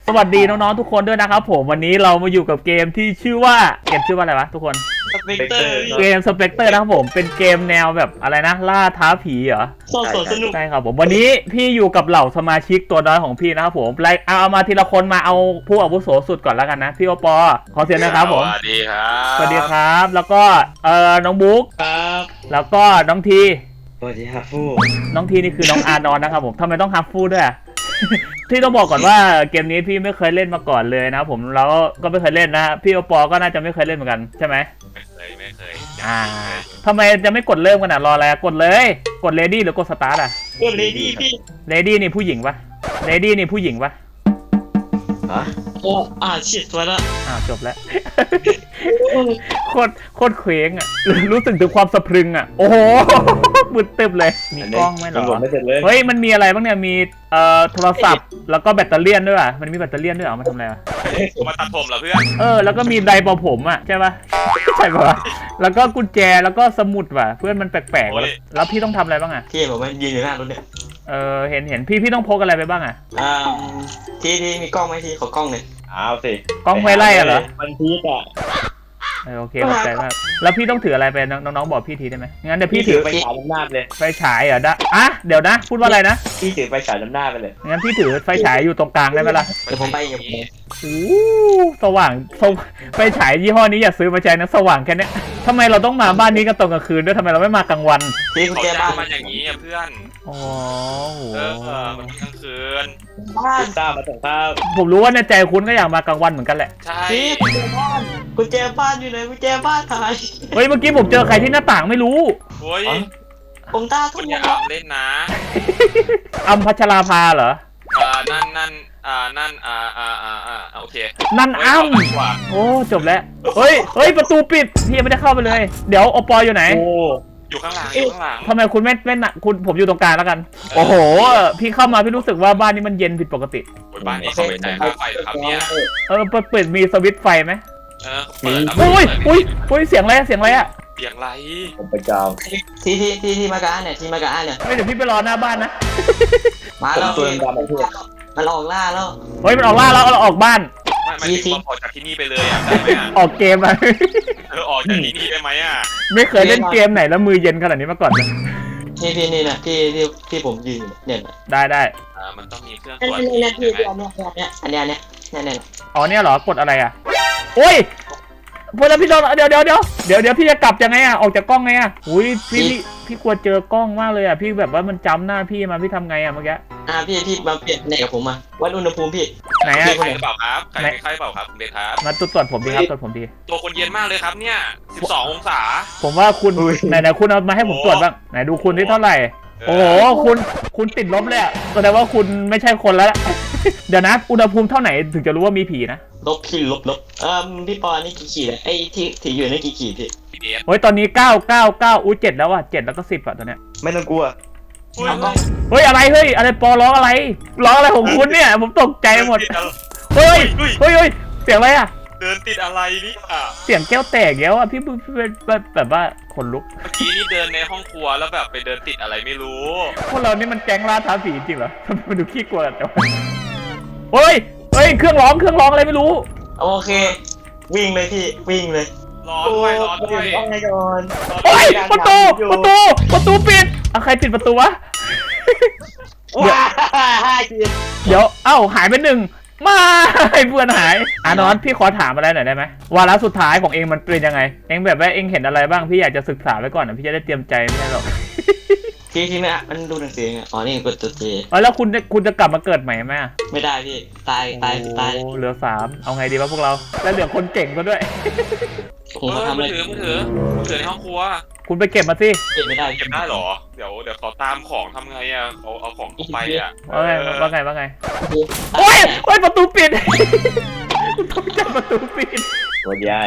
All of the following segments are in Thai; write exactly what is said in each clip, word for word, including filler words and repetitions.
สวัสดีน้องๆทุกคนด้วยนะครับผมวันนี้เรามาอยู่กับเกมที่ชื่อว่าเกมชื่อว่าอะไรวะทุกคนสเปกเตอร์เกมสเปกเตอร์นะครับผมเป็นเกมแนวแบบอะไรนะล่าท้าผีเหรอสดสดสนุกใช่ครับผมวันนี้พี่อยู่กับเหล่าสมาชิกตัวน้อยของพี่นะครับผมไล่เอาเอามาทีละคนมาเอาผู้อาวุโสสุดก่อนแล้วกันนะพี่โอปอขอเสียงนะครับผมสวัสดีครับสวัสดีครับแล้วก็เอ่อน้องบุ๊กครับแล้วก็น้องทีสวัสดีครับฟูน้องทีนี่คือน้องอาร์นอนนะครับผมทำไมต้องฮับฟูด้วยอะ ที่ต้องบอกก่อนว่าเกมนี้พี่ไม่เคยเล่นมาก่อนเลยนะครับผมแล้วก็ไม่เคยเล่นนะพี่โอปอก็น่าจะไม่เคยเล่นเหมือนกันใช่ไหมไม่เคยไม่เคยอ่าทำไมจะไม่กดเริ่มกันอ่ะรออะไรกดเลยกดเลดี้หรือกดสตาร์ทอ่ะเพื่อนเลดี้พี่เลดี้นี่ผู้หญิงปะเลดี้นี่ผู้หญิงปะฮะโอ้อ่าเฉียดตัวละอ้าวจบแล้ว โคตรโคตรเคว้งอ่ะรู้สึกถึงความสะพรึงอ่ะโอ้โหมืดตึบเลยมีกล้องไหมเหรอเฮ้ยมันมีอะไรบ้างเนี่ยมีเอ่อโทรศัพท์แล้วก็แบตเตอรี่ด้วยอ่ะมันมีแบตเตอรี่ด้วยเหรอมาทำอะไรวะมาตัดผมเหรอเพื่อนเออแล้วก็มีไดร์เป่าผมอ่ะใช่ปะใช่ปะแล้วก็กุญแจแล้วก็สมุดว่ะเพื่อนมันแปลกๆว่ะแล้วพี่ต้องทำอะไรบ้างอ่ะพี่บอกว่ายืนอยู่หน้ารถเนี่ยเออเห็นเห็นพี่พี่ต้องพกอะไรไปบ้างอ่ะอ่าทีทีมีกล้องไหมทีขอกล้องหน่อยเอาสิกล้องไฟไล่อะเหรอมันพีกอะเออโอเคขอบใจมากแล้วพี่ต้องถืออะไรไปน้องน้องๆบอกพี่ทีได้ไหมงั้นเดี๋ยวพี่ถือไปฉายน้ำหน้าไปเลยไฟฉายเหรอดะอ่ะเดี๋ยวนะพูดว่าอะไรนะพี่ถือไปฉายน้ำหน้าไปเลยงั้นพี่ถือไฟฉายอยู่ตรงกลางได้ไหมล่ะเดี๋ยวผมไปเองโอ้สว่างสวไฟฉายยี่ห้อนี้อย่าซื้อมาใช้นะสว่างแค่เนี้ยทำไมเราต้องมาบ้านนี้กันตอนกลางคืนด้วยทำไมเราไม่มากลางวันทีกุญเขาแจจะบ้านมาอย่างนี้อ่ะเพื่อนอ๋อโหเออเออมันกลางคืนบ้านทราบมาส่งข้าวผมรู้ว่าในใจคุณก็อยากมากลางวันเหมือนกันแหละใช่ทีกุญแจบ้านกุญแจบ้านอยู่ไหนกุญแจบ้านหายเฮ้ยเมื่อกี้ผมเจอใครที่หน้าต่างไม่รู้โอ้ยผมตาคุทุ่ณมอย่าแล้วเอาเล่นนะอัมพัชราภาเหรออ่านั่นนั่นอ่านั่นอ่าอ่าอ่าอ่าโอเคนั่นอ้ำเฮ้ยเาดีกว่าโอ้จบแล้วเฮ้ยเฮ้ยประตูปิดพี่ยังไม่ได้เข้าไปเลย เดี๋ยวโอปออยู่ไหนโอ้อยู่ข้างหลังอยู่ข้างหลังทำไมคุณไม่ไม่น่ะคุณผมอยู่ตรงกลางแล้วกัน โอ้โห พี่เข้ามาพี่รู้สึกว่าบ้านนี้มันเย็นผิดปกติโอ้ยบ้านนี้เขาไม่จ่ายค่าไฟครับเนี่ยเออเปิดเปิดมีสวิตช์ไฟไหมเออเปิดแล้วโอ้ยโอ้ยโอ้ยเสียงอะไรอะเสียงอะไรอะเสียงไรผมไปเจ้าทีทีทีทีมากาเนี่ยทีมากาเนี่ยไม่เดี๋ยวพี่ไปรอหน้าบ้านนะมาผมแล้วตัวดำมาเพื่อนมันออกล่าแล้วเฮ้ยมันออกล่าแล้วเราออกบ้านไม่ไม่ถึงว่าพอจากที่นี่ไปเลยอ่ะได้ไหมอ่ะออกเกมอะเออออกจากที่นี่ได้ไหมอ่ะไม่เคยเล่นเกมไหนแล้วมือเย็นขนาดนี้มาก่อนเลยนี่พี่นี่นะที่ที่ที่ผมยืนเนี่ยได้ได้อ่ามันต้องมีเครื่องอัตรวจนนี้นะพี่ใช่ไหมเนี่ยเนี่ยอันเนี้ยเนี่ยเนี่ยเนี่ยอ๋อเนี่ยเหรอกดอะไรอะโอ้ยพอแล้วพี่โดนเดี๋ยวเดี๋ยวเดี๋ยวเดี๋ยวเดี๋ยวพี่จะกลับยังไงอะออกจากกล้องไงอะอุ้ยพี่พี่พี่กลัวเจอกล้องมากเลยอะพี่แบบว่ามันจำหน้าพี่มาพี่ทำไงอะเมื่อกี้อ่าพี่พี่มาเปลี่ยนไหนกับผมมาวัดอุณหภูมิพี่ไหนอะใครหรือเปล่าครับใครใครหรือเปล่าครับเบสครับมาตรวจตรวจผมดีครับตรวจผมดีตัวคนเย็นมากเลยครับเนี่ยสิบสององศาผมว่าคุณไหนไหนคุณเอามาให้ผมตรวจบ้างไหนดูคุณที่เท่าไหร่โอ้โหคุณคุณติดลบเลยอะแสดงว่าคุณไม่ใช่คนแล้ว เดี๋ยวนะอุณหภูมิเท่าไหนถึงจะรู้ว่ามีผีนะลบพี่ลบลบเอ่อพี่ปอนี่กี่ขีดอะไอ้ที่ถืออยู่นี่กี่ขีดพี่พีเอสเฮ้ยตอนนี้เก้าเก้าเก้าอุ้ยเจ็ดแล้วอะเจ็ดแล้วก็สิบอะตอนเนี้ยไม่ต้องกลัวอุ้ยเอากล้องเฮ้ยอะไรเฮ้ยอะไรปอร้องอะไรร้องอะไรของคุณเนี่ยผมตกใจหมดเฮ้ยเฮ้ยเฮ้ยเสียงอะไรอะเดินติดอะไรนี่อ่ะเสียงแก้วแตกแล้วอะพี่พี่พี่แบบแบบว่าขนลุกเมื่อกี้นี่เดินในห้องครัวแล้วแบบไปเดินติดอะไรไม่รู้พวกเรานี่มันแก๊งล่าท้าผีจริงเหรอทำไมมันดูขี้กลัวกันจังวะเฮ้ยเฮ้ยเครื่องร้องเครื่องร้องอะไรไม่รู้โอเค วิ่งเลยพี่วิ่งเลยร้อนด้วยร้อนด้วยต้องไงก่อนโอ้ยประตูประตูประตูปิดเอาใครปิดประตูวะว้าห้าขีดเดี๋ยวเอ้าหายไปหนึ่งมาเพื่อนหายอ่ะนอนพี่ขอถามอะไรหน่อยได้ไหมวาระสุดท้ายของเองมันเป็นยังไงเองแบบว่าเองเห็นอะไรบ้างพี่อยากจะศึกษาไว้ก่อนนะพี่จะได้เตรียมใจไม่ใช่หรอกทีทีไม่อะมันดูหนังสือไงอ๋อนี่กดตัวเจเออแล้วคุณจะคุณจะกลับมาเกิดใหม่ไหมอะไม่ได้พี่ตายตายตายโอ้เหลือสามเอาไงดีวะพวกเราแล้วเหลือคนเก่งก็ด้วยผมเอมาอทำอะมืไรอถือมือถือมือถือในห้องครัวคุณไปเก็บมาสิเก็บไม่ได้เก็บได้เหรอเดี๋ยวเดี๋ยวเขาตามของทำไงอ่ะเขาเอาของเข้าไปอ่ะว่าไงเออว่าไงว่าไงโอ้โอ้ยโอ้ยประตูปิด คุณต้องจับประตูปิดวันย้าย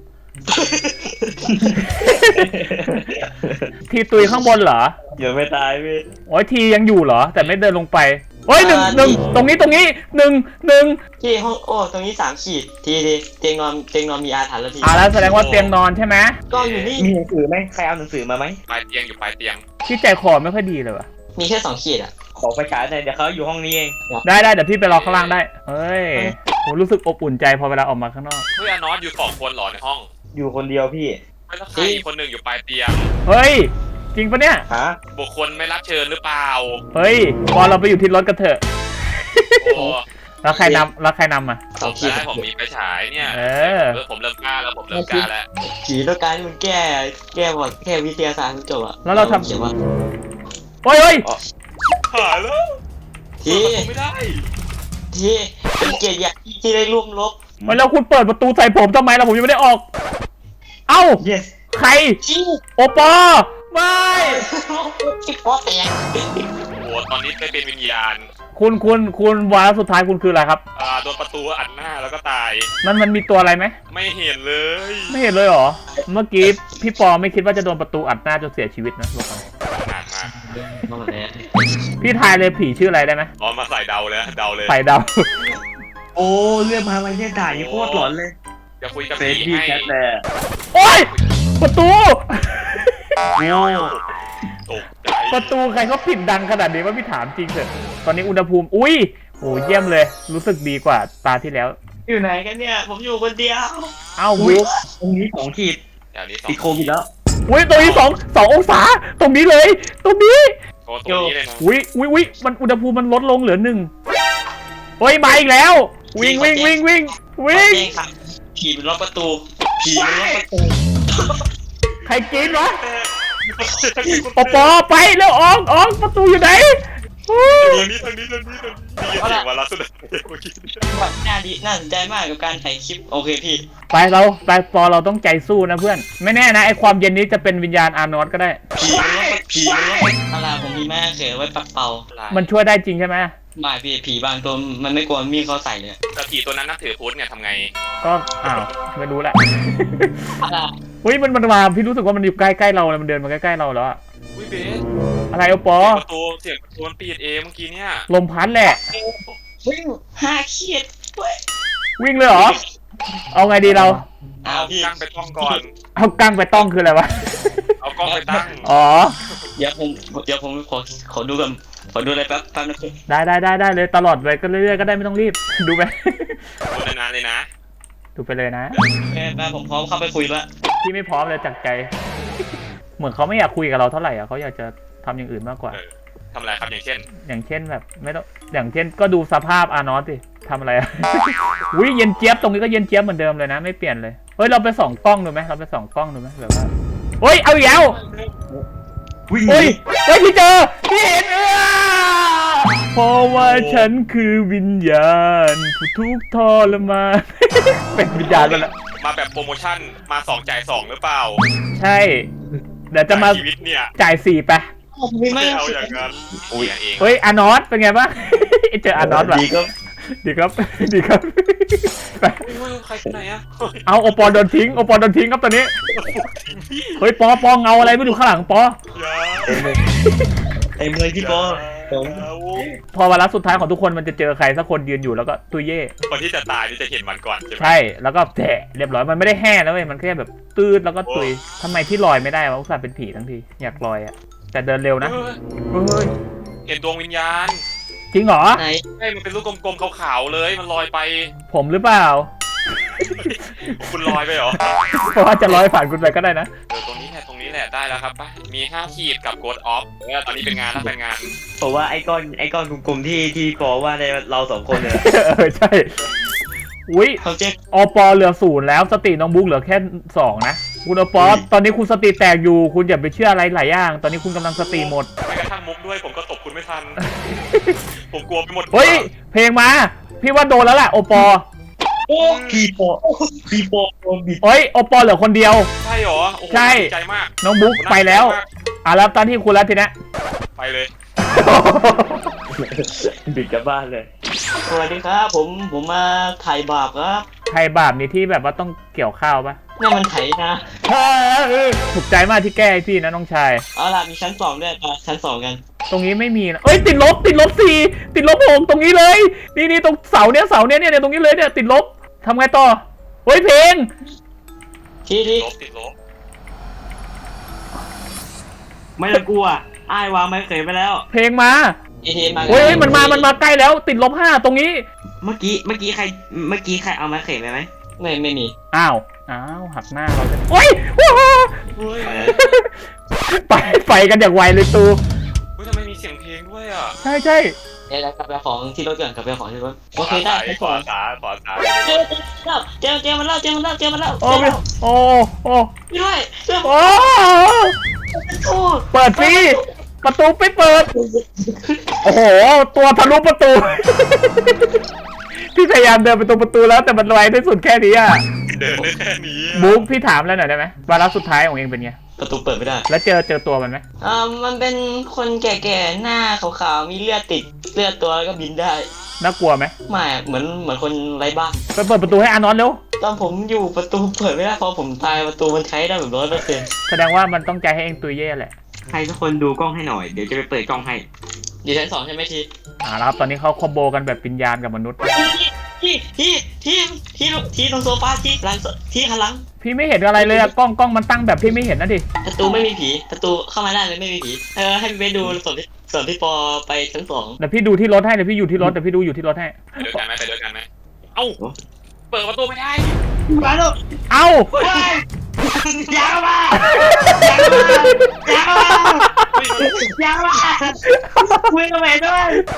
ทีตุยข้างบนเหรอยังไม่ตายพี่โอ้ยทียังอยู่เหรอ แต่ไม่เดินลงไปโอ้ยหนึ่งหนึ่งตรงนี้ตรงนี้หนึ่งหนึ่งที่ห้องโอ้ตรงนี้สามขีดทีทีเตียงนอนเตียงนอนมีอาถรรพ์แล้วพี่อ่าแล้วแสดงว่าเตียงนอนใช่ไหมก็อยู่นี่มีหนังสือไหมใครเอาหนังสือมาไหมปลายเตียงอยู่ปลายเตียงที่ใจคอไม่ค่อยดีเลยวะมีแค่สองขีดอ่ะขอไฟฉายหน่อยเดี๋ยวเขาอยู่ห้องนี้เองได้ได้เดี๋ยวพี่ไปรอข้างล่างได้เฮ้ยผมรู้สึกอบอุ่นใจพอเวลาออกมาข้างนอกเฮ้ยอานอสอยู่สองคนเหรอในห้องอยู่คนเดียวพี่ไม่แล้วใครอีกคนหนึ่งอยู่ปลายเตียงเฮ้ยจริงปะเนี่ยฮะบุคคลไม่รับเชิญหรือเปล่าเฮ้ยพอเราไปอยู่ที่รถกันเถอะโอ้แล้วใครนำแล้วใครนำอ่ะสองขีดได้ผมมีไฟฉายเนี่ยเออเออผมเริ่มกล้าแล้วผมเริ่มกล้าแล้วผีต้องการที่มันแก้แก้หมดแก้วิทยาศาสตร์จบอ่ะแล้วเราทำเขียนว่าเฮ้ยเฮ้ยหายแล้วที่เปิดประตูไม่ได้ที่เป็นเกียรติอย่างที่ได้ร่วมรบเฮ้ยแล้วคุณเปิดประตูใส่ผมทำไมล่ะผมยังไม่ได้ออก เอ้า yes ใครที่โอปอไม่ที่พ่อแตกโอ้ตอนนี้ไปเป็นวิญญาณคุณคุณคุณวาระสุดท้ายคุณคืออะไรครับอ่าโดนประตูอัดหน้าแล้วก็ตายมันมันมีตัวอะไรไหมไม่เห็นเลยไม่เห็นเลยเหรอ เมื่อกี้พี่ปอไม่คิดว่าจะโดนประตูอัดหน้าจนเสียชีวิตนะบอกก่อนขนาดมากมาแบบนี้พี่ทายเลยผีชื่ออะไรได้ไหมอ๋อมาใส่เดาเลยนะเดาเลยใส่เดาวโอ้เรื่องมาไม่ใช่ถ่ายโคตรหลอนเลยจะคุยกับเฟรผีดดี้ให้แคทแต่โอ๊ยประตูโอ้ตกใจประตูใครเขาปิดดังขนาดนี้ว่าพี่ถามจริงเถอะตอนนี้อุณหภูมิอุ้ยโหเยี่ยมเลยรู้สึกดีกว่าตาที่แล้วอยู่ไหนกันเนี่ย ผมอยู่คนเดียวเอ้าอุ๊ยบุ๊กตรงนี้สองขีดเดี๋ยวนี้สองติดโควิดแล้วอุ้ยตรงนี้สองสององศาตรงนี้เลย ตรงนี้โอ้ตรงนี้เลยนะอุ้ยอุ้ยอุ้ยมันอุณหภูมิมันลดลงเหลือหนึ่งเฮ้ยมาอีกแล้ว วิ่งวิ่งวิ่งวิ่งขอวิ่งแจ้งครับผีมันล็อกประตูผีมันล็อกประตูใครกินวะปอปอไปแล้วออกออกประตูอยู่ไหนอู้ทางนี้ทางนี้ทางนี้ทางนี้ได้ยินเสียงวาระสุดท้ายเมื่อกี้แบบน่าดีน่าสนใจมากกับการถ่ายคลิปโอเคพี่ไปเราไปปอเราต้องใจสู้นะเพื่อน ไม่แน่นะไอความเย็นนี้จะเป็นวิญญาณอาร์นอสก็ได้ผีมันล็อกประผีมันล็อกประตูอะไรผมมีแม่เขยไว้ปัดเป่ามันช่วยได้จริงใช่ไหมหมายพี่ผีบางตัวมันไม่กลัวมีดเขาใส่เลยแต่ผีตัวนั้นนับถือพุทธเนี่ยทำไงก็อ้าวไม่รู้แหละอะไรเฮ้ยมันมันมาพี่รู้สึกว่ามันอยู่ใกล้ๆเราเลยมันเดินมาใกล้ๆเราแล้วอะอุ้ยเบสอะไรเอาปอประตูเสียงประตูมันปิดเองเมื่อกี้เนี่ยลมพัดแหละวิ่งห้าขีดเว้ยวิ่งเลยเหรอ เอาไงดีเราอ้าเอาวพี่กั้งไปท่องก่อนเอากั้งไปต้องคืออะไรวะเอากล้องไปตั้งอ๋อเดี๋ยวผมเดี๋ยวผมขอขอดูกันขอดูอะไรแป๊บแป๊บนะพี่ได้ได้ได้ได้เลยตลอดเลยก็เรื่อยๆก็ได้ไม่ต้องรีบ ดูไปดูนานๆเลยนะดูไปเลยนะแม่แป๊บผมพร้อมเข้าไปคุยละพี่ไม่พร้อมเลยจากใจ เหมือนเขาไม่อยากคุยกับเราเท่าไหร่อ่ะเขาอยากจะทำอย่างอื่นมากกว่าเออทำอะไรครับอย่างเช่นอย่างเช่นแบบไม่ต้องอย่างเช่นก็ดูสภาพอาร์นอสสิทำอะไรอะ อุ้ยเย็นเจี๊ยบตรงนี้ก็เย็นเจี๊ยบเหมือนเดิมเลยนะไม่เปลี่ยนเลยเฮ้ยเราไปส่องกล้องดูไหมเราไปส่องกล้องดูไหมแบบว่าเฮ้ยเอาอีกแล้ววิ่งหเฮ้ยนีเฮ้ยพี่เจอพี่เห็นเออเพราะว่าฉันคือวิญญาณผู้ทุกข์ทรมาน เป็นวิญญาณแล้วแหละมาแบบโปรโมชั่นมาสองจ่ายสองหรือเปล่าใช่เดี๋ยวจะมาจ่ยชีวิตเนี่ยจ่ายสี่ไปไม่ไม่ไม่เอาอย่างนั้นเสียเองเฮ้ยอาร์นอสเป็นไงบ้าง เจออาร์นอสว่ะดีก็ดีครับ ดีครับไปเฮ้ยใครคนไหนอะเอาโอปอลโดนทิ้งโอปอลโดนทิ้งครับตอนนี้ เฮ้ยปอปอเงาอะไรไม่ดูข้างหลังปออย่าเต็มเลยพี่ปอผมอย่าพอวาระสุดท้ายของทุกคนมันจะเจอใครสักคนยืนอยู่แล้วก็ตุยเย่คนที่จะตายนี่จะเห็นมันก่อนใช่ไหมใช่แล้วก็แฉะเรียบร้อยมันไม่ได้แห้นะเว้ยมันแค่แบบตืดแล้วก็ตุยทำไมพี่ลอยไม่ได้วะอุตส่าห์เป็นผีทั้งทีอยากลอยอะแต่เดินเร็วนะเฮ้ยเฮ้ยเห็นดวงวิญญาณจริงเหรอไหนใช่มันเป็นลูกกลมๆขาวๆเลยมันลอยไปผมหรือเปล่าคุณลอยไปเหรอเพราะว่าจะลอยผ่านคุณไปก็ได้นะเออตรงนี้แหละตรงนี้แหละได้แล้วครับไปมีห้าขีดกับโกดออฟเออตอนนี้เป็นงานแล้วเป็นงานผมว่าไอ้ก้อนไอ้ก้อนกลมๆที่ที่ปอว่าในเราสองคนเลยเออใช่อุ้ยเขาเจ๊อปอเหลือศูนย์แล้วสติน้องบุ๊กเหลือแค่สองนะคุณอปอตอนนี้คุณสติแตกอยู่คุณอย่าไปเชื่ออะไรหลายอย่าง ตอนนี้คุณกำลังสติหมดไม่กระทั่งมุกด้วยผมก็ตบคุณไม่ทัน ผมกลัวไปหมดเฮ้ยเพลงมาพี่ว่าโดนแล้วแหละโอปอโอ้พี่ปอพี่ปอโดนบิดเฮ้ยโอปอเหลือคนเดียวใช่เหรอโอ้โหใช่ดีใจมากน้องบุ๊กไปแล้วอ่ะแล้วตอนที่คุณแล้วทีเนี้ยไปเลยบิดกลับบ้านเลยสวัสดีครับผมผมมาถ่ายบาปครับไทยบาปนี่ที่แบบว่าต้องเกี่ยวข้าวปะนี่มันไถนะถูกใจมากที่แก้ให้พี่นะน้องชายเอาล่ะมีชั้นสองด้วยมาชั้นสองกันตรงนี้ไม่มีนะเอ้ยติดลบติดลบสี่ติดลบหกตรงนี้เลยนี่นี่ตรงเสาเนี้ยเสาเนี้ยเนี่ยเนี่ยตรงนี้เลยเนี่ยติดลบทำไงต่อเฮ้ยเพลงที่ที่ลบติดลบไม่ต้องกลัวไอ้วางไม้เขยไปแล้วเพลงมาเอเทมาเฮ้ยมันมามันมาใกล้แล้วติดลบห้าตรงนี้เมื่อกี้เมื่อกี้ใครเมื่อกี้ใครเอาไม้เขยไปไหมไม่ไม่มีอ้าวอ้าวหักหน้าเราจะโอ้ยโอ้โหเฮ้ยไปไฟกันอย่างไวเลยตูเฮ้ยทำไมมีเสียงเพลงด้วยอ่ะใช่ใช่เดี๋ยวกลับไปของที่รถก่อนกลับไปของที่รถขโอวาเคได้ซ้ายไปขก่อวาน ซ้ายขวาซ้ายเจอเจอมันแล้วเจอมันแล้วเจอมันแล้วโอ้ยโอ้โอ้ด้วยด้วยโอ้โอ้เปิดสิประตูไม่เปิด โอ้โห ตัวทะลุประตู พี่พยายามเดินไปตรงประตูแล้วแต่มันไวที่สุดแค่นี้อ่ะเดินได้แค่นี้อะบุ๊กพี่ถามแล้วหน่อยได้ไหมวาระสุดท้ายของเองเป็นไงประตูเปิดไม่ได้แล้วเจอเจอตัวมันไหมอ่ามันเป็นคนแก่ๆหน้าขาวๆมีเลือดติดเลือดตัวแล้วก็บินได้น่ากลัวไหมไม่เหมือนเหมือนคนไร้บ้านไปเปิดประตูให้อานอนเร็วตอนผมอยู่ประตูเปิดไม่ได้พอผมตายประตูมันใช้ได้แบบร้อยเปอร์เซ็นต์แสดงว่ามันต้องใจให้เองตุยเย่แหละใครทุกคนดูกล้องให้หน่อยเดี๋ยวจะไปเปิดกล้องให้อยู่ชั้นสองใช่ไหมทีอ่าแล้วครับตอนนี้เขาคอมโบกันแบบปิญญาณกับมนุษย์ที่ที่ที่ที่ที่ตรงโซฟาที่หลังที่ข้างหลังพี่ไม่เห็นอะไรเลยอะกล้องกล้องมันตั้งแบบพี่ไม่เห็นนะดิประตูไม่มีผีประตูเข้ามาได้เลยไม่มีผีเออให้ไปดูส่วนที่ส่วนที่ปอไปชั้นสองเดี๋ยวพี่ดูที่รถให้เดี๋ยวพี่อยู่ที่รถเดี๋ยวพี่ดูอยู่ที่รถให้ไปด้วยกันไหมไปด้วยกันไหมเอ้าเปิดประตูไม่ได้มาลูกเอ้ายาวมายาวมายาวมาคุยกับแม่ด้วย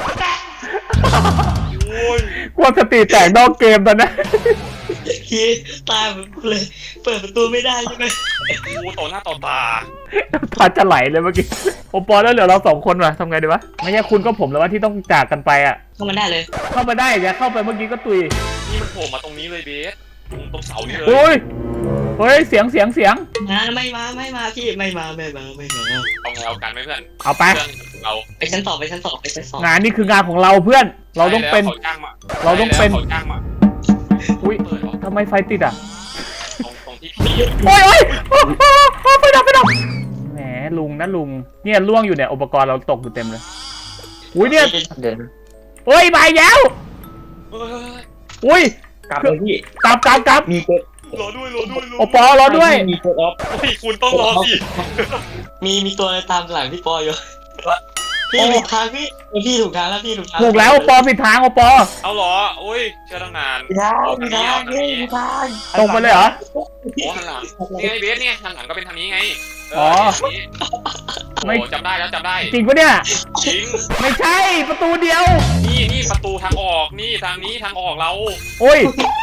โอ้ยกลัวสติแตกนอกเกมตอนนั้นทีตายแบบเลยเปิดประตูไม่ได้ใช่ไหมกูต่อหน้าต่อตาตาจะไหลเลยเมื่อกี้โอปอแล้วเหลือเราสองคนว่ะทำไงดีวะไม่ใช่คุณก็ผมแล้วว่าที่ต้องจากกันไปอ่ะเข้ามาได้เลยเข้ามาได้อย่าเข้าไปเมื่อกี้ก็ตุยนี่มันโผล่มาตรงนี้เลยเบสตรงตรงเสานี่เลยโอ้ยเฮ้ยเสียงเสียงเสียงนะไม่มาไม่มาพี่ไม่มาไม่มาไม่มาเอาไงเอากันไหมเพื่อนเอาไปเพื่อนเราไปชั้นสองไปชั้นสองไปชั้นสองงานนี้คืองานของเราเพื่อน เราต้องเป็นใช่แล้วเขาจ้างมาเราต้องเป็นใช่แล้วเขาจ้างมาอุ้ยเปิดออกทำไมไฟติดอ่ะตรงตรงที่พี่โอ้ยโอ้ยโอ้โหโอ้ยไฟดับไฟดับแหมลุงนะลุงเนี่ยล่วงอยู่เนี่ยอุปกรณ์เราตกอยู่เต็มเลยอุ้ยเนี่ยเดินโอ้ยมาอีกแล้วเฮ้ยอุ้ยกลับเลยพี่กลับกลับกลับมีกดรอด้วยรอด้วยรอโอปอรอด้วยมีกดออฟเฮ้ยคุณต้องรอสิมีมีตัวตามหลังพี่ปออยู่พี่ถูกทางพี่พี่ถูกทางแล้วพี่ถูกทางถูกแล้วโอปอผิดทางโอปอเอาเหรอโอ้ยเชื่อตั้งนานถูกทางถูกทางพี่ถูกทางตรงไปเลยเหรอโอ้หันหลังนี่ไงเบสเนี่ยหันหลังก็เป็นทางนี้ไงเอ๋อนี่ไม่โอ้จำได้แล้วจำได้จริงปะเนี่ยจริงไม่ใช่ประตูเดียวนี่นี่ประตูทางออกนี่ทางนี้ทางออกเราโอ้ย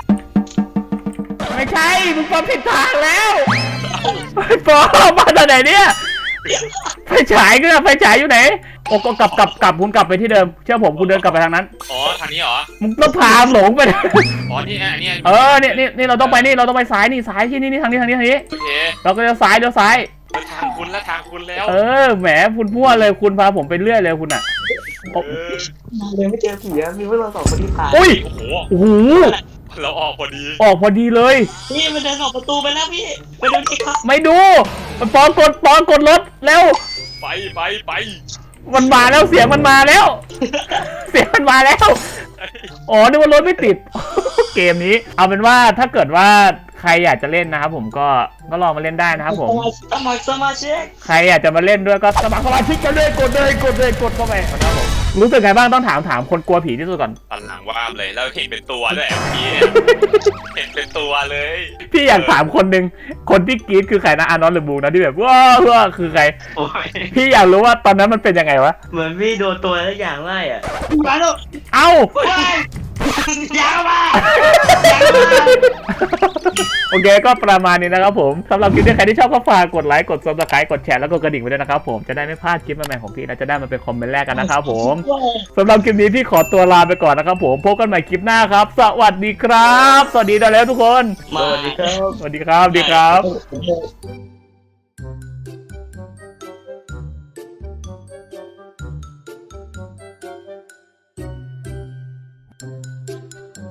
ไม่ใช่มึงปอผิดทางแล้วปอมาจากไหนเนี่ยไฟฉายก็ไฟฉายอยู่ไหนโอ้ก็กลับกลับกลับคุณกลับไปที่เดิมเชื่อผมคุณเดินกลับไปทางนั้นอ๋อทางนี้เหรอมึงต้องพาหลงไปอ๋อนี่ไงนี่ไงเออเนี่ยนี่นี่เราต้องไปนี่เราต้องไปซ้ายนี่ซ้ายที่นี่นี่ทางนี้ทางนี้ทางนี้โอเคเราก็เลี้ยวซ้ายเลี้ยวซ้ายไปทางคุณแล้วทางคุณแล้วเออแหมคุณมั่วเลยคุณพาผมไปเรื่อยเลยคุณอ่ะเออเลยไม่เจอผีอะมีพวกเราสองคนที่ตายอุ้ยโอ้โหโอ้โหเราออกพอดีออกพอดีเลยพี่มันเดินออกประตูไปแล้วพี่ไปดูที่ครับไม่ดูมันปอกดปอกดรถแล้วไปไปไปมันมาแล้วเสียงมันมาแล้ว เสียงมันมาแล้ว อ๋อนึกว่ารถไม่ติด เกมนี้ เอาเป็นว่าถ้าเกิดว่าใครอยากจะเล่นนะครับผมก็ก็ลองมาเล่นได้นะครับผมสมัครสมาชิกใครอยากจะมาเล่นด้วยก็สมัครสมาชิกกันเลยกดเลยกดเลยกดเข้าไปนะครับผมรู้สึกไงบ้างต้องถามถามคนกลัวผีที่สุดก่อนตันหลังว่าบเลยแล้วเห็นเป็นตัวด้วยเมื่อกี้เห็นเป็นตัวเลยพี่อยากถามคนหนึ่งคนที่กรี๊ดคือใครนะอานอนหรือบูนะที่แบบว้าวว้าวคือใครโอ้ยพี่อยากรู้ว่าตอนนั้นมันเป็นยังไงวะเหมือนพี่โดนตัวอะไรอย่างไล่อ่ะมาลูกเอ้ายาวมาโอเคก็ประมาณนี้นะครับผมสำหรับคลิปนี้ใครที่ชอบก็ฝากกดไลค์กด ซับสไครบ์ กดแชร์แล้วก็กระดิ่งไว้ด้วยนะครับผมจะได้ไม่พลาดคลิปใหม่ๆของพี่และจะได้มาเป็นคอมเมนต์แรกกันนะครับผมสำหรับคลิปนี้พี่ขอตัวลาไปก่อนนะครับผมพบกันใหม่คลิปหน้าครับ สวัสดีครับ สวัสดีได้แล้วทุกคนสวัสดีครับสวัสดีครับสวัสดีครับ